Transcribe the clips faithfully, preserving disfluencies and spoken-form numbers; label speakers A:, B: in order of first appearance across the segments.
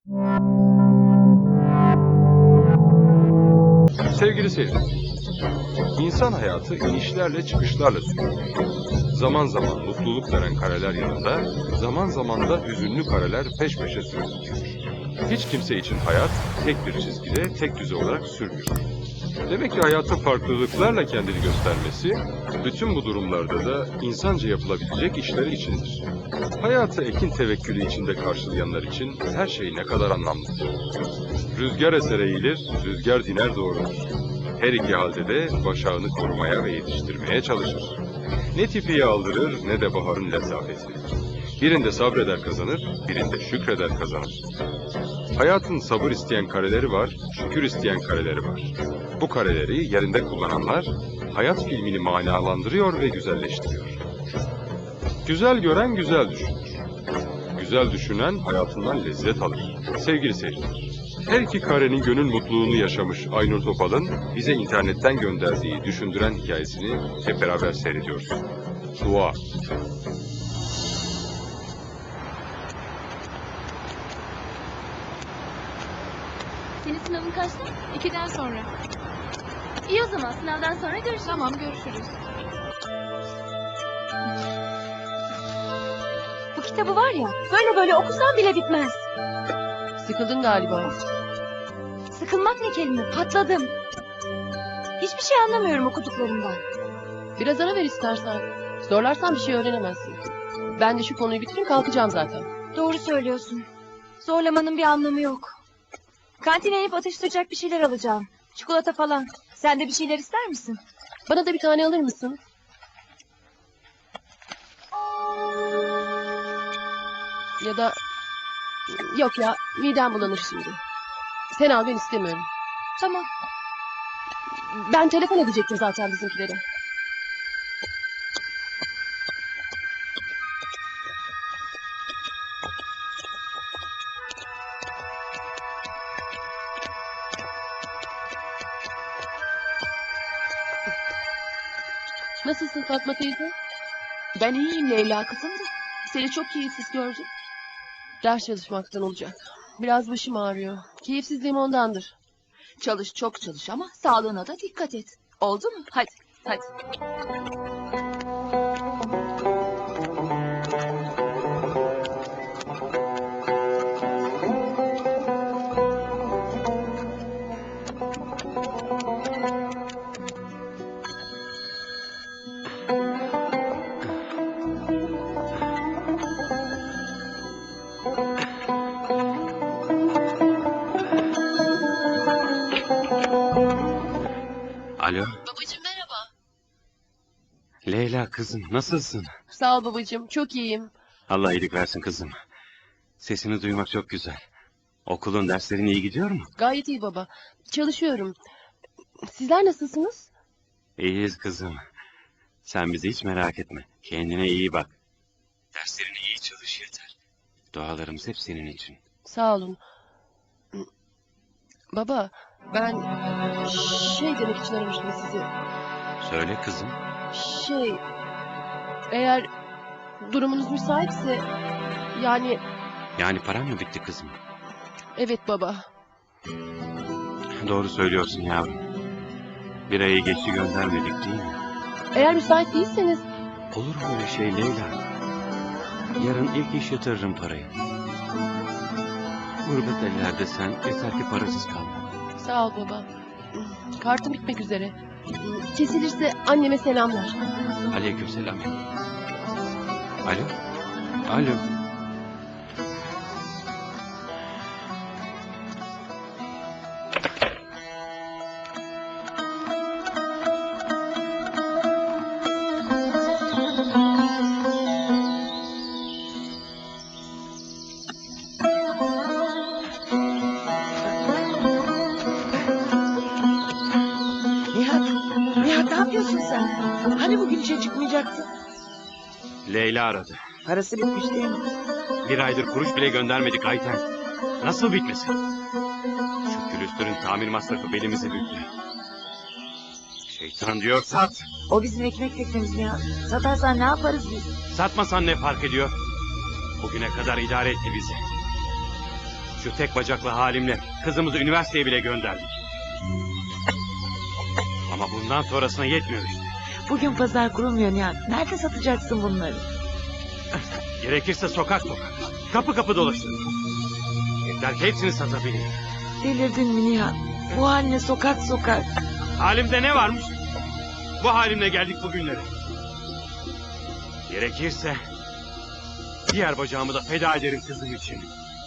A: Sevgili seyirciler, insan hayatı inişlerle çıkışlarla sürüyor. Zaman zaman mutluluk veren kareler yanında, zaman zaman da hüzünlü kareler peş peşe sürüyor. Hiç kimse için hayat tek bir çizgide, tek düze olarak sürmüyor. Demek ki hayatın farklılıklarla kendini göstermesi, bütün bu durumlarda da insanca yapılabilecek işler içindir. Hayatı ekin tevekkülü içinde karşılayanlar için her şey ne kadar anlamlıdır. Rüzgar eser eğilir, rüzgar diner doğrulur. Her iki halde de başağını korumaya ve yetiştirmeye çalışır. Ne tipiyi aldırır ne de baharın lezafeti. Birinde sabreder kazanır, birinde şükreder kazanır. Hayatın sabır isteyen kareleri var, şükür isteyen kareleri var. Bu kareleri yerinde kullananlar hayat filmini manalandırıyor ve güzelleştiriyor. Güzel gören güzel düşünür. Güzel düşünen hayatından lezzet alır. Sevgili seyirciler, her iki karenin gönül mutluluğunu yaşamış Aynur Topal'ın bize internetten gönderdiği düşündüren hikayesini hep beraber seyrediyoruz. Dua.
B: Senin sınavın kaçta?
C: İkiden sonra.
B: İyi o zaman sınavdan sonra görüşürüz.
C: Tamam, görüşürüz.
B: Bu kitabı var ya böyle böyle okusan bile bitmez.
C: Sıkıldın galiba.
B: Sıkılmak ne kelime, patladım. Hiçbir şey anlamıyorum okuduklarımdan.
C: Biraz ara ver istersen. Zorlarsan bir şey öğrenemezsin. Ben de şu konuyu bitireyim, kalkacağım zaten.
B: Doğru söylüyorsun. Zorlamanın bir anlamı yok. Kantine inip atıştıracak bir şeyler alacağım. Çikolata falan. Sen de bir şeyler ister misin?
C: Bana da bir tane alır mısın? Ya da... Yok ya, midem bulanır şimdi. Sen al, ben istemiyorum.
B: Tamam.
C: Ben telefon edecektim zaten bizimkilere. Nasılsın Fatma teyze?
D: Ben iyiyim Leyla kızım da. Seni çok keyifsiz gördüm.
C: Ders çalışmaktan olacak. Biraz başım ağrıyor. Keyifsizliğim ondandır.
D: Çalış çok çalış ama sağlığına da dikkat et. Oldu mu? Hadi hadi.
E: Alo,
C: Babacığım merhaba.
E: Leyla kızım nasılsın?
C: Sağ ol babacığım, çok iyiyim.
E: Allah iyilik versin kızım. Sesini duymak çok güzel. Okulun derslerin iyi gidiyor mu?
C: Gayet iyi baba. Çalışıyorum. Sizler nasılsınız?
E: İyiyiz kızım. Sen bizi hiç merak etme. Kendine iyi bak. Derslerini iyi çalış yeter. Dualarımız hep senin için.
C: Sağ olun. Baba, ben şey demek için aramıştım sizi.
E: Söyle kızım.
C: Şey, eğer durumunuz müsaitse, yani
E: Yani paran mı bitti kızım?
C: evet baba.
E: Doğru söylüyorsun yavrum. Bir ayı geçti göndermedik değil mi?
C: Eğer müsait değilseniz,
E: Olur mu öyle şey Leyla? Yarın ilk iş yatırırım parayı. Gurbet ellerde sen yeter ki parasız kalma.
C: sağ ol baba. Kartım bitmek üzere. Kesilirse anneme selamlar.
E: Aleykümselam. Alo? Alo?
F: Nihat, Nihat ne yapıyorsun sen? Hani bugün işe çıkmayacaktın?
E: Leyla aradı.
F: Parası bitmiş değil mi?
E: Bir aydır kuruş bile göndermedik Ayten. Nasıl bitmesin? Şu külüstürün tamir masrafı belimizi büktü. Şeytan diyor sat.
F: O bizim ekmek teknemiz Nihat. Satarsan ne yaparız biz?
E: Satmasan ne fark ediyor? Bugüne kadar idare etti bizi. Şu tek bacaklı halimle kızımızı üniversiteye bile gönderdik. Ama bundan sonrasına yetmiyor işte.
F: Bugün pazar kurulmuyor Nihat. Nerede satacaksın bunları?
E: Gerekirse sokak sokak, kapı kapı dolaşırız. Yeter ki hepsini satabileyim.
F: Delirdin mi Nihat? Bu haline sokak sokak.
E: Halimde ne varmış? Bu halimle geldik bugünlere. Gerekirse diğer bacağımı da feda ederim kızım için.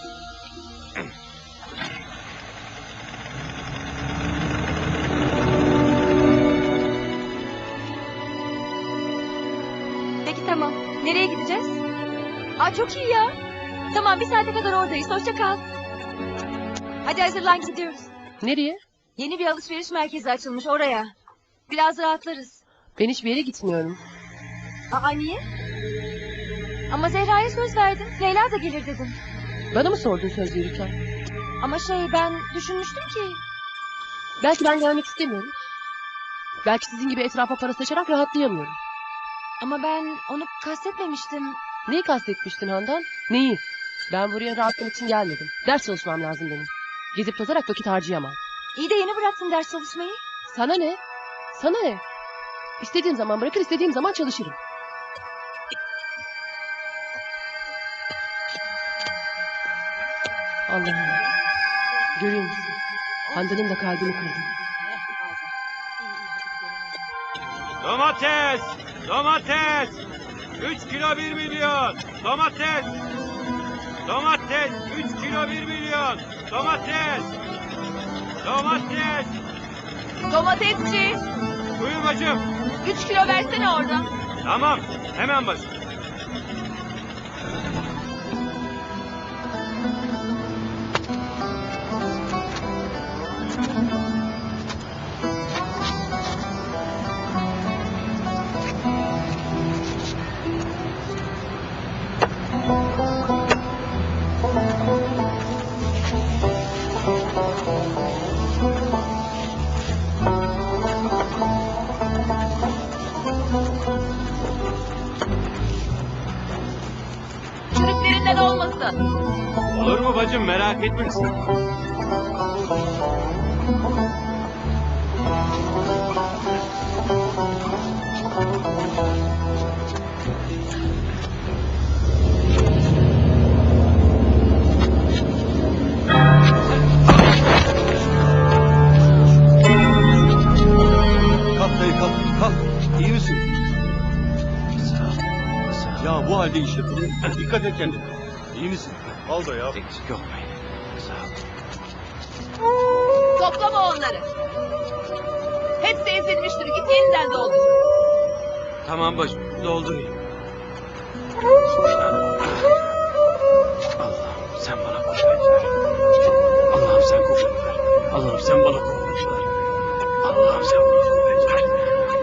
B: Peki tamam. Nereye gideceğiz? Aa çok iyi ya. Tamam bir saate kadar oradayız. Hoşça kal. Hadi hazırlan gidiyoruz.
C: Nereye?
B: Yeni bir alışveriş merkezi açılmış oraya. Biraz rahatlarız.
C: Ben hiçbir yere gitmiyorum.
B: Aa niye? Ama Zehra'ya söz verdin. Leyla da gelir dedin.
C: Bana mı sordun söz verirken?
B: Ama şey ben düşünmüştüm ki.
C: Belki ben gelmek istemiyorum. Belki sizin gibi etrafa para saçarak rahatlayamıyorum.
B: Ama ben onu kastetmemiştim.
C: Neyi kastetmiştin Handan? Neyi? Ben buraya rahatlamak için gelmedim. Ders çalışmam lazım benim. Gezip tozarak vakit harcayamam.
B: İyi de yeni bıraktın ders çalışmayı.
C: Sana ne? Sana ne? İstediğim zaman bırakır, istediğim zaman çalışırım. Allah'ım. Görüyor musun? Handan'ın da kalbini kırdım.
E: Domates! Domates! Üç kilo bir milyon! Domates! Domates! Üç kilo bir milyon! Domates! Domates!
D: Domatesçi.
E: Buyur bacım.
D: Üç kilo versene oradan.
E: Tamam. Hemen bacım.
D: Çürüklerinden olmasın.
E: Olur mu bacım, merak etme sen.
G: Kalk dayı kalk, kalk. İyi misin? Ya bu halde iş yapılır. Dikkat et kendine. İyi misin? Al da ya.
E: Eksik olmayın. Sağ ol.
D: Toplama onları. Hepsi ezilmiştir. Git yeniden doldur.
E: Tamam bacım, doldurayım. Allah'ım sen bana kuvvet ver. Allah'ım sen kuvvet ver. Allah'ım sen bana kuvvet ver. Allah'ım sen bana kuvvet ver.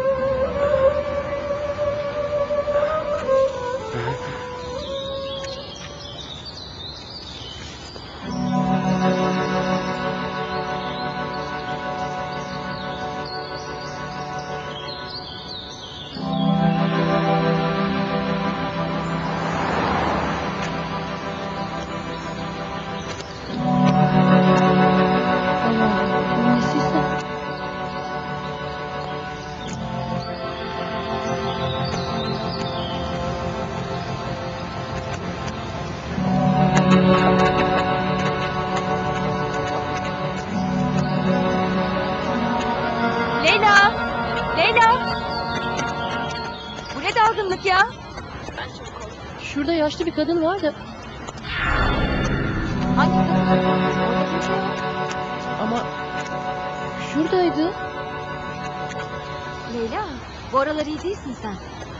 C: Allah'ım, nesiyse.
B: Leyla! Leyla! Bu ne dalgınlık ya?
C: Şurada yaşlı bir kadın var da
B: Hangi kadın? Orada kimse yok.
C: ama şuradaydı.
B: Leyla, bu aralar iyi değilsin sen.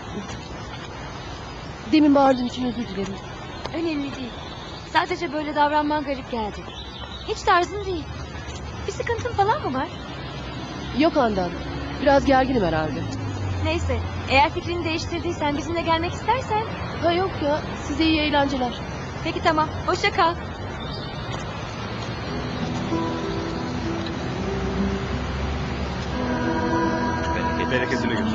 C: Demin bağırdığım için özür dilerim.
B: Önemli değil. Sadece böyle davranman garip geldi. Hiç tarzın değil. Bir sıkıntın falan mı var?
C: Yok Handan. Biraz gerginim herhalde.
B: Neyse, eğer fikrini değiştirdiysen bizimle gelmek istersen...
C: Ha yok ya. Size iyi eğlenceler.
B: Peki tamam, hoşça kal.
E: Bereket, bereketini gör.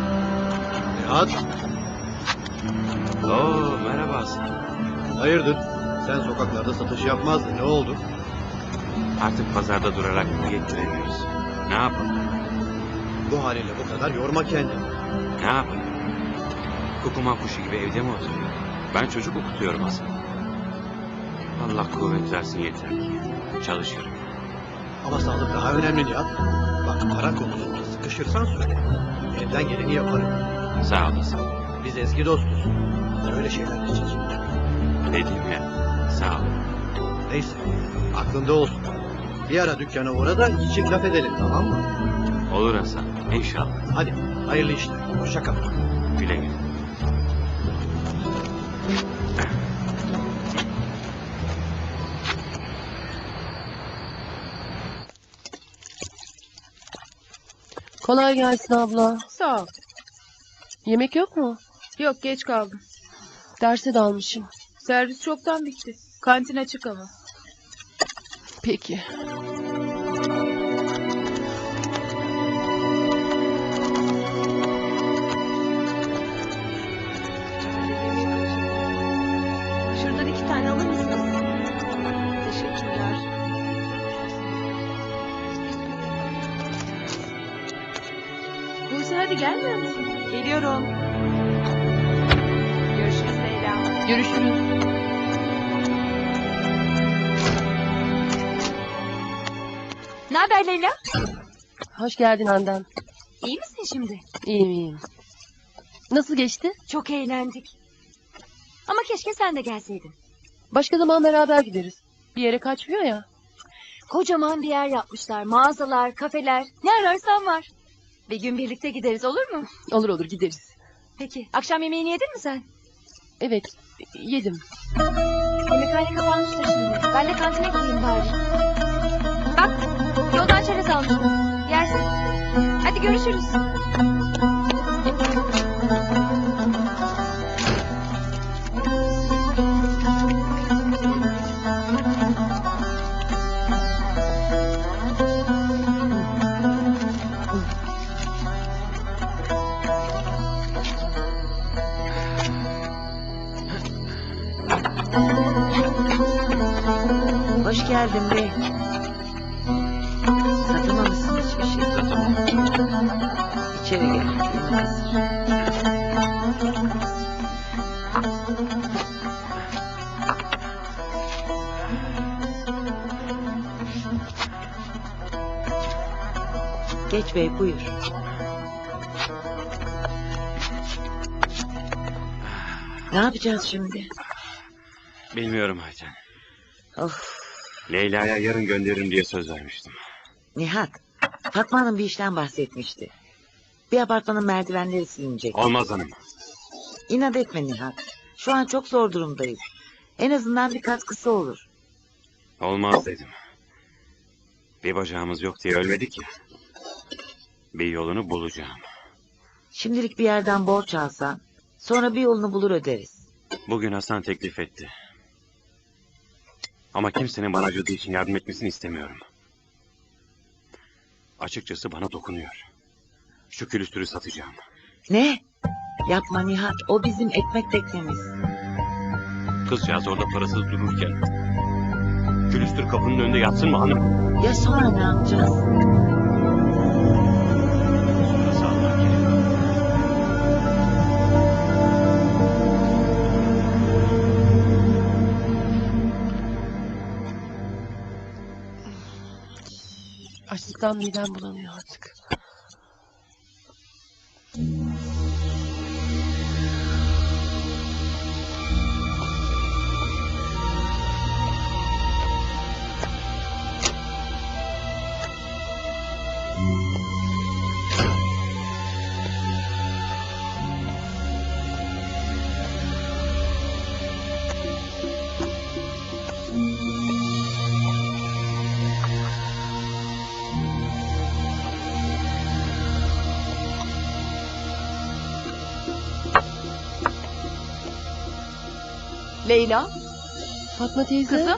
G: Nihat.
E: Oo, merhaba Hasan.
G: Hayırdır? Sen sokaklarda satış yapmazdın. Ne oldu?
E: Artık pazarda durarak yettiremiyoruz. Ne yapalım?
G: Bu haliyle bu kadar yorma kendini.
E: Ne yapalım? Kukuma kuşu gibi evde mi oturuyor? Ben çocuk okutuyorum aslında. Allah kuvvet versin yeter ki. Çalışıyorum.
G: Ama sağlık daha önemli Nihat. Bak para konusunda sıkışırsan söyle. Elimden geleni yaparım.
E: Sağ olasın.
G: Biz eski dostuz. Öyle şeyler için.
E: Dedim ya. Sağ ol.
G: Neyse aklında olsun. Bir ara dükkana uğra da çift laf edelim, tamam mı?
E: Olur Hasan. İnşallah.
G: Hadi hayırlı işler. Hoşça kal.
E: Güle güle.
C: Kolay gelsin abla.
H: Sağ ol.
C: Yemek yok mu?
H: Yok, geç kaldım.
C: Derse dalmışım.
H: Servis çoktan bitti. Kantin açık ama.
C: Peki.
B: Şuradan iki tane alır mısınız?
H: Teşekkürler. Buse hadi gelmiyor musun?
B: Geliyorum. Görüşürüz Leyla.
C: Görüşürüz.
B: Ne haber Leyla?
C: Hoş geldin Handan.
B: İyi misin şimdi?
C: İyiyim iyiyim. Nasıl geçti?
B: Çok eğlendik. Ama keşke sen de gelseydin.
C: Başka zaman beraber gideriz. Bir yere kaçmıyor ya.
B: Kocaman bir yer yapmışlar. Mağazalar, kafeler. Ne ararsan var. Bir gün birlikte gideriz, olur mu?
C: Olur olur gideriz.
B: Peki. Akşam yemeğini yedin mi sen?
C: Evet yedim.
B: Yemekhane kapanmıştır şimdi. Ben de kantine gideyim bari. Bak, yoldan çerez almıştım. Yersin. Hadi görüşürüz.
F: Hoş geldin bey. Satamamışsın hiçbir şey. İçeri gel. Yemek hazır. Geç bey buyur. Ne yapacağız şimdi?
E: Bilmiyorum Ayten.
F: Of.
E: Leyla'ya yarın gönderirim diye söz vermiştim.
F: Nihat, Fatma Hanım bir işten bahsetmişti. Bir apartmanın merdivenleri silinecek.
E: Olmaz hanım.
F: İnat etme Nihat. Şu an çok zor durumdayız. En azından bir katkısı olur.
E: Olmaz dedim. Bir bacağımız yok diye ölmedik ya. Bir yolunu bulacağım.
F: Şimdilik bir yerden borç alsan, sonra bir yolunu bulur öderiz.
E: Bugün Hasan teklif etti. Ama kimsenin bana acıdığı için yardım etmesini istemiyorum. Açıkçası bana dokunuyor. Şu külüstürü satacağım.
F: Ne? Yapma Nihat, o bizim ekmek teknemiz.
E: Kızcağız orada parasız dururken... külüstür kapının önünde yatsın mı hanım?
F: Ya sonra ne yapacağız?
E: Sonrası Allah kerim.
C: Açlıktan midem bulanıyor artık.
D: Leyla,
C: Fatma teyze.
D: kızım.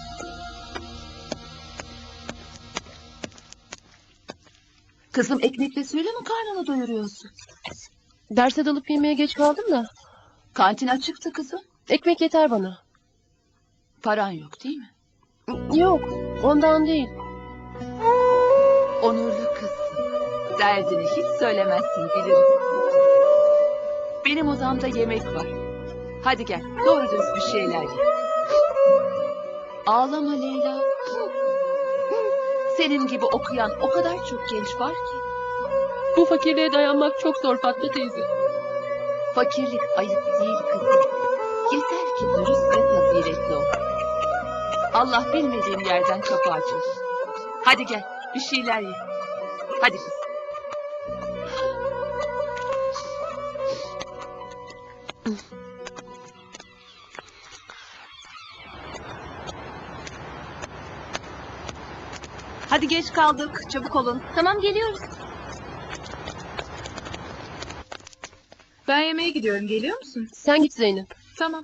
D: Kızım ekmekle suyla mı karnını doyuruyorsun?
C: Derse dalıp yemeğe geç kaldım da.
D: Kantin açıktı kızım.
C: Ekmek yeter bana.
D: Paran yok değil mi?
C: Yok, ondan değil.
D: Onurlu kızsın. Derdini hiç söylemezsin bilirim. Benim odamda yemek var. Hadi gel doğru dürüst bir şeyler ye. Ağlama Leyla. Senin gibi okuyan o kadar çok genç var ki.
C: Bu fakirliğe dayanmak çok zor Fatma teyze.
D: Fakirlik ayıp değil kızım. Yeter ki dürüst ve faziletli ol. Allah bilmediğin yerden kapı açar. Hadi gel bir şeyler ye. Hadi kız.
B: Hadi geç kaldık. Çabuk olun. Tamam geliyoruz.
H: Ben yemeğe gidiyorum. Geliyor musun?
C: Sen git Zeynep.
H: Tamam.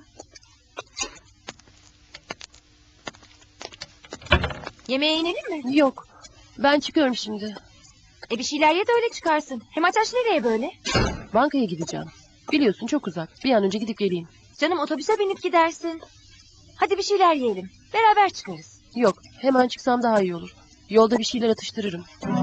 B: Yemeğe inelim mi?
C: Yok, ben çıkıyorum şimdi.
B: E bir şeyler ye de öyle çıkarsın. Hem Ataş nereye böyle?
C: Bankaya gideceğim. Biliyorsun çok uzak. Bir an önce gidip geleyim.
B: Canım otobüse binip gidersin. Hadi bir şeyler yiyelim. Beraber çıkarız.
C: Yok, hemen çıksam daha iyi olur. Yolda bir şeyler atıştırırım.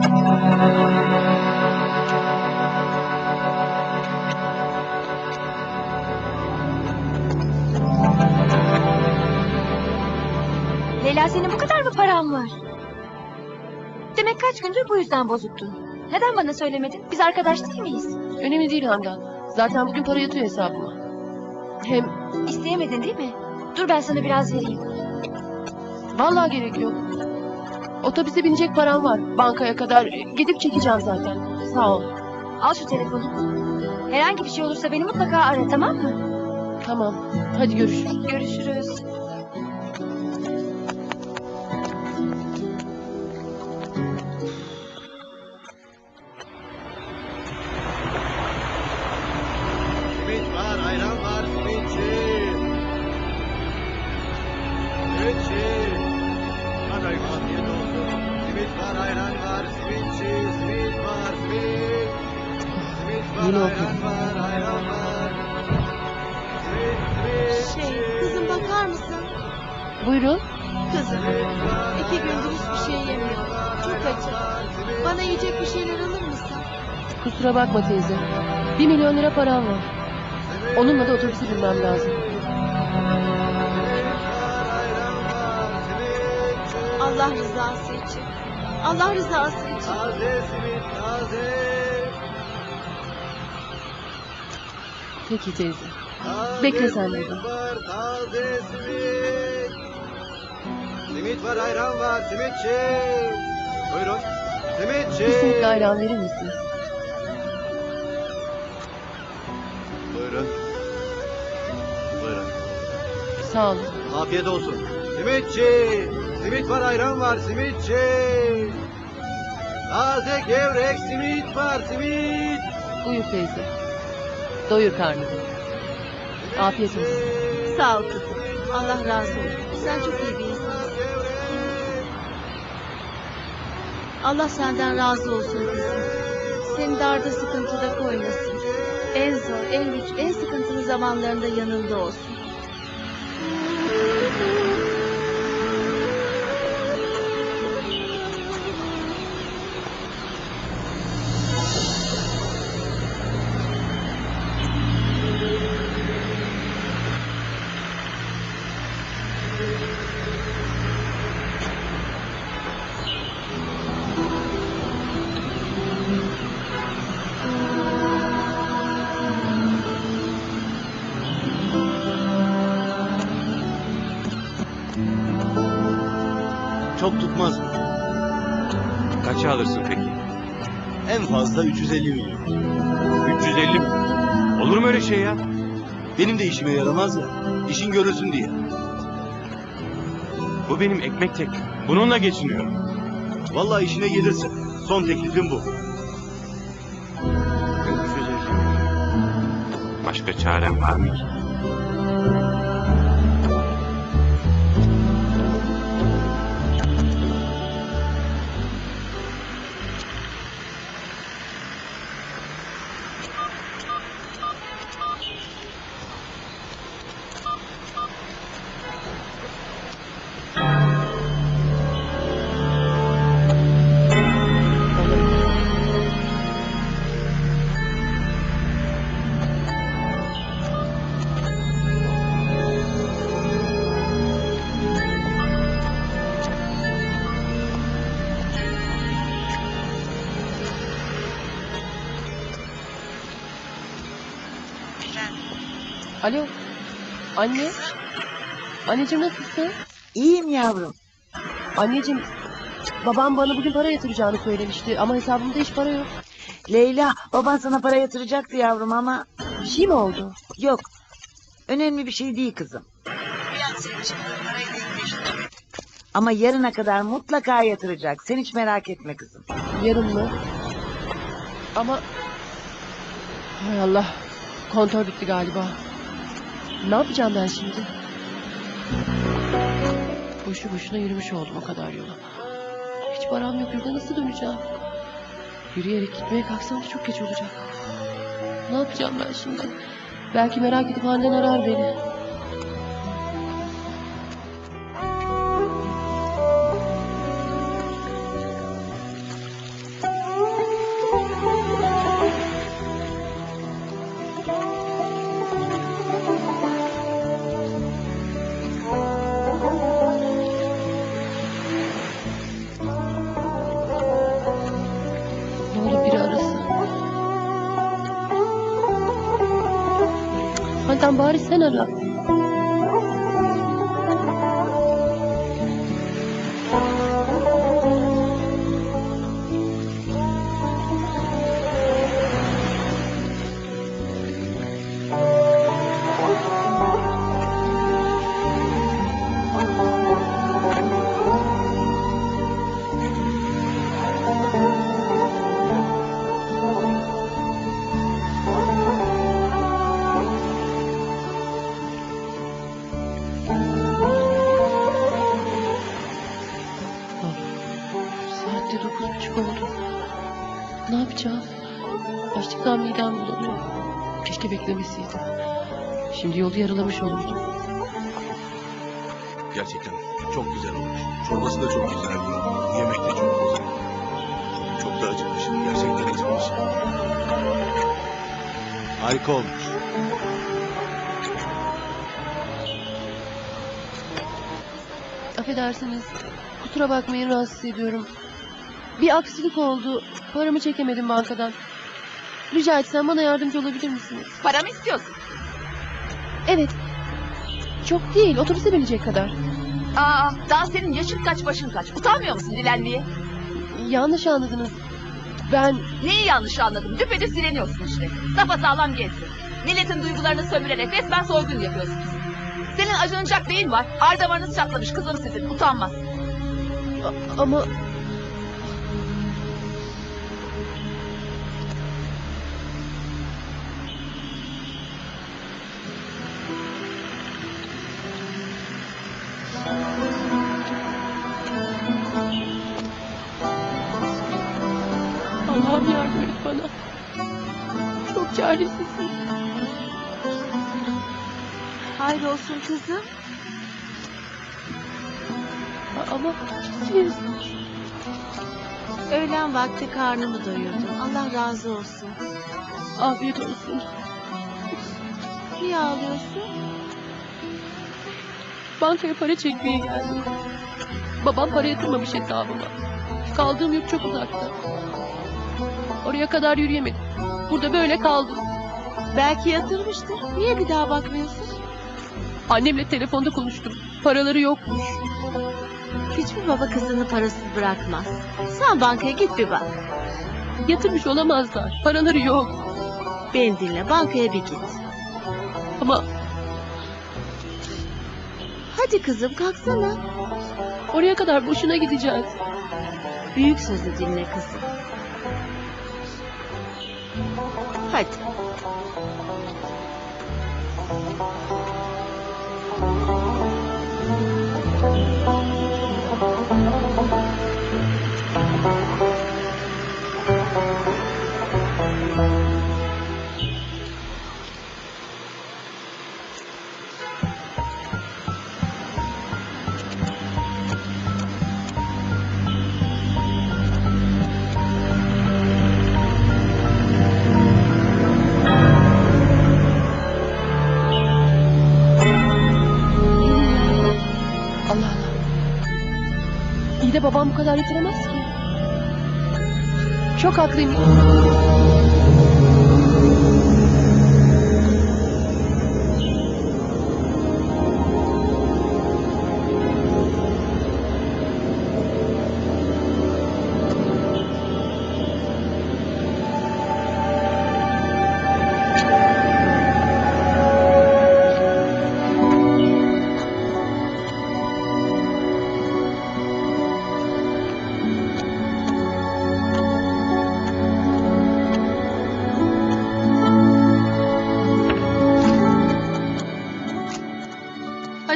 B: Leyla senin bu kadar mı paran var? Demek kaç gündür bu yüzden bozuktun. Neden bana söylemedin? Biz arkadaş değil miyiz?
C: Önemli değil Handan. Zaten bugün para yatıyor hesabıma. Hem
B: İsteyemedin değil mi? Dur ben sana biraz vereyim.
C: vallahi gerek yok. Otobüse binecek param var. Bankaya kadar gidip çekeceğim zaten. Sağ ol.
B: Al şu telefonu. Herhangi bir şey olursa beni mutlaka ara, tamam mı?
C: Tamam. Hadi görüşürüz.
B: Görüşürüz.
G: Simit var, ayran var, simitçi. Simitçi. Hadi afiyet olsun. Simit var, ayran var, simitçi. Simit var, simit. Simit var,
C: Yine
G: ayran
C: okudum.
G: var, ayran var. Simit, simit.
I: Şey, kızım bakar mısın?
C: Buyurun.
I: Kızım, iki gündür hiçbir şey yemiyorum. Çok acı. Bana yiyecek bir şeyler alır mısın?
C: Kusura bakma teyze. Bir milyon lira param var. Onunla da otobüse binmem lazım.
I: Allah rızası için. Allah rızası için.
G: Taze simit, taze.
C: Peki teyze.
G: Taze
C: Bekle sen
G: simit
C: burada.
G: var, taze simit. Simit var, ayran var, simitçi. Buyurun. Simitçi.
C: Bir simitli ayran verir misin?
G: Buyurun. Buyurun.
C: Sağ olun.
G: Afiyet olsun. Simitçi. Simit var, ayran var, simitçi. Taze gevrek simit var, simit.
C: Buyur teyze. Doyur karnını. Afiyet olsun.
I: Sağ ol kızım. Allah razı olsun. Sen çok iyi bir insansın. Allah senden razı olsun kızım. Seni darda sıkıntıda koymasın. En zor, en güç, en sıkıntılı zamanlarında yanında olsun.
J: Çok tutmaz mı?
E: Kaça alırsın peki?
J: En fazla üç yüz elli milyon.
E: üç yüz elli mi? Olur mu öyle şey ya?
J: Benim de işime yaramaz ya. İşin görülsün diye.
E: Bu benim ekmek teknem. Bununla geçiniyorum.
J: Vallahi işine gelirse. Son teklifim bu.
E: üç yüz elli milyon. Başka çarem var mı ki?
C: Alo. Anne. Anneciğim nasılsın?
F: İyiyim yavrum.
C: Anneciğim, babam bana bugün para yatıracağını söylemişti ama hesabımda hiç para yok.
F: Leyla, baban sana para yatıracaktı yavrum ama...
C: Bir şey mi oldu?
F: Yok. Önemli bir şey değil kızım. Biraz senin için parayı değilmiş. Ama yarına kadar mutlaka yatıracak. Sen hiç merak etme kızım.
C: Yarın mı? Ama... Hay Allah. Kontör bitti galiba. Ne yapacağım ben şimdi? Boşu boşuna yürümüş oldum o kadar yolu. Hiç param yok, yurda nasıl döneceğim? Yürüyerek gitmeye kalksam da çok geç olacak. Ne yapacağım ben şimdi? Belki merak edip annen arar beni. Ne olur biri arasın. Handan bari sen ara. Saatte dokuz buçuk oldu. Ne yapacağım? Açlıktan midem bulanıyor. Keşke beklemeseydim. Şimdi yolu yarılamış olurdum.
J: Gerçekten çok güzel olmuş. Çorbası da çok güzeldi. Yemek de çok güzel. Çok da acıkmışım. Gerçekten acıkmışım. Harika olmuş.
C: Affedersiniz. Kusura bakmayın, rahatsız ediyorum. Bir aksilik oldu. Paramı çekemedim bankadan. Rica etsem bana yardımcı olabilir misiniz?
D: Para mı istiyorsun?
C: Evet. Çok değil, otobüse binecek kadar.
D: Aa, daha senin yaşın kaç başın kaç. Utanmıyor musun dilenmeye?
C: Yanlış anladınız. Ben...
D: Neyi yanlış anladım? Düpedüz dileniyorsun işte. Sapasağlam gezsin. Milletin duygularını sömürerek resmen soygun yapıyorsunuz. Senin acınacak neyin var? Ar damarınız çatlamış kızım sizin. Utanmaz.
C: A- ama... Allah'ım yardım et bana. Çok çaresizim.
I: Hayrolsun kızım.
C: Ama siz...
I: Öğlen vakti karnımı doyurdum. Allah razı olsun.
C: Afiyet olsun.
I: Niye ağlıyorsun?
C: Bankaya para çekmeye geldim. Babam para yatırmamış hesabıma. Kaldığım yurt çok uzakta. Oraya kadar yürüyemedim. Burada böyle kaldım.
I: Belki yatırmıştır. Niye bir daha bakmıyorsun?
C: Annemle telefonda konuştum. Paraları yokmuş.
I: Hiçbir baba kızını parasız bırakmaz. Sen bankaya git bir bak.
C: Yatırmış olamazlar. Paraları yok.
I: Beni dinle, bankaya bir git.
C: Ama
I: Hadi kızım, kalksana.
C: oraya kadar boşuna gideceğiz.
I: Büyük sözü dinle kızım. Hadi.
C: Allah Allah. İyi de babam bu kadar yetiremez ki. Çok haklıyım.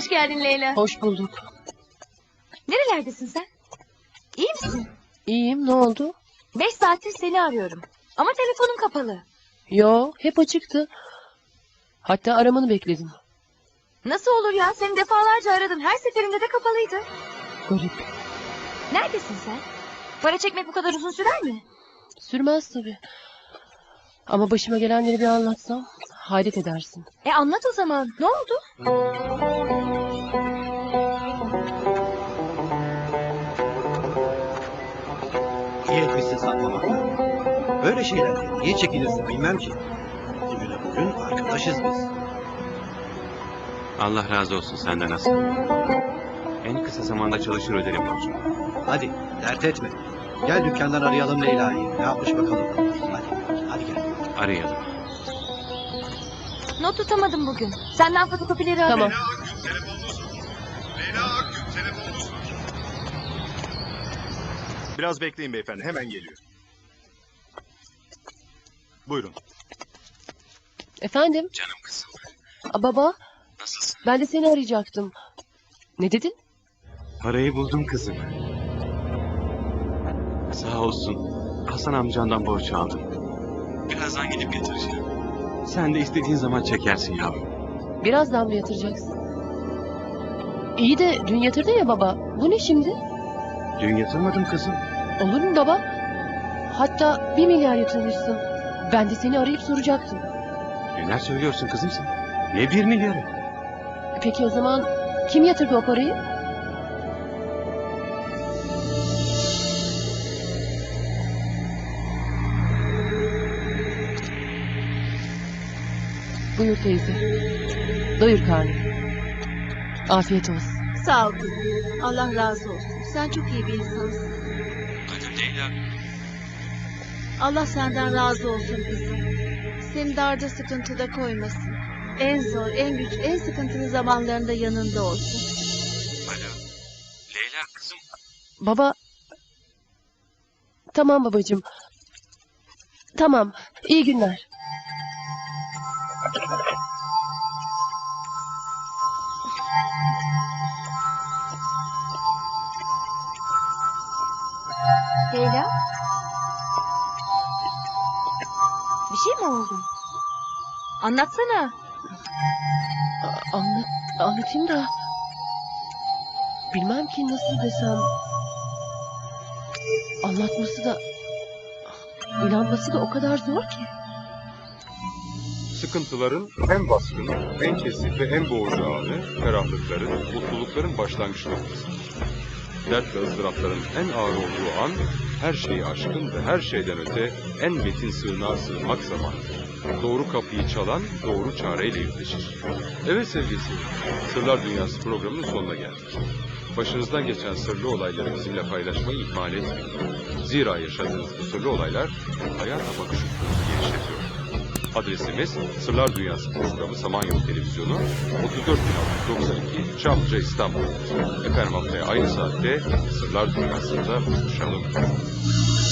I: Hoş geldin Leyla.
C: Hoş bulduk.
B: Nerelerdesin sen? İyi misin?
C: İyiyim, ne oldu?
B: Beş saattir seni arıyorum. Ama telefonun kapalı.
C: Yo, hep açıktı. Hatta aramanı bekledim.
B: Nasıl olur ya? Seni defalarca aradım. Her seferinde de kapalıydı.
C: Garip.
B: Neredesin sen? Para çekmek bu kadar uzun sürer mi?
C: Sürmez tabii. Ama başıma gelenleri bir anlatsam hayret edersin.
B: E anlat o zaman. Ne oldu?
G: İyi etmişsin saklamakla. Böyle şeylerden niye çekinirsin bilmem ki. Bugüne bugün arkadaşız biz.
E: Allah razı olsun senden Hasan. En kısa zamanda çalışır öderim borcumu.
G: Hadi dert etme. Gel dükkandan arayalım Leyla'yı. Ne yapmış bakalım. Hadi, hadi gel.
E: Arayalım.
B: Not tutamadım bugün. Senden fotokopileri alayım.
C: Tamam.
J: Biraz bekleyin beyefendi, hemen geliyor. Buyurun.
C: Efendim?
E: Canım kızım.
C: Aa, baba,
E: Nasılsın?
C: ben de seni arayacaktım. Ne dedin?
E: Parayı buldum kızım. Sağ olsun. Hasan amcandan borç aldım. Birazdan gidip getireceğim. Sen de istediğin zaman çekersin yavrum.
C: Birazdan mı yatıracaksın? İyi de dün yatırdın ya baba. Bu ne şimdi?
E: Dün yatırmadım kızım.
C: Olur mu baba? Hatta bir milyar yatırmışsın. Ben de seni arayıp soracaktım.
E: Neler söylüyorsun kızım sen? Ne bir milyarı?
C: Peki o zaman kim yatırdı o parayı? Buyur teyze. Doyur karnını. Afiyet olsun.
I: Sağ ol kızım. Allah razı olsun. Sen çok iyi bir insansın.
E: Adım Leyla.
I: Allah senden razı olsun kızım. Seni darda sıkıntıda koymasın. En zor, en güç, en sıkıntılı zamanlarında yanında olsun.
E: Alo. Leyla kızım.
C: Baba. Tamam babacığım. Tamam. İyi günler.
B: Leyla? Bir şey mi oldu? Anlatsana.
C: A- Anlat, anlatayım da. Bilmem ki nasıl desem. Anlatması da, inanması da o kadar zor ki.
A: Sıkıntıların en baskın, en kesif ve en boğucu anı, ferahlıkların, mutlulukların başlangıç noktasıdır. Dert ve ızdırapların en ağır olduğu an, her şeyi aşkın ve her şeyden öte en metin sığınağa sığınmak zamanıdır. Doğru kapıyı çalan, doğru çareyle yüzleşir. Evet sevgili seyirciler, Sırlar Dünyası programının sonuna geldik. Başınızdan geçen sırlı olayları bizimle paylaşmayı ihmal etmeyin. Zira yaşadığınız bu sırlı olaylar hayata bakış ufkunuzu genişletiyor. Adresimiz Sırlar Dünyası programı Samanyolu Televizyonu otuz dört bin altı yüz doksan iki Çamlıca İstanbul. Efendim haftaya aynı saatte Sırlar Dünyası'nda buluşalım.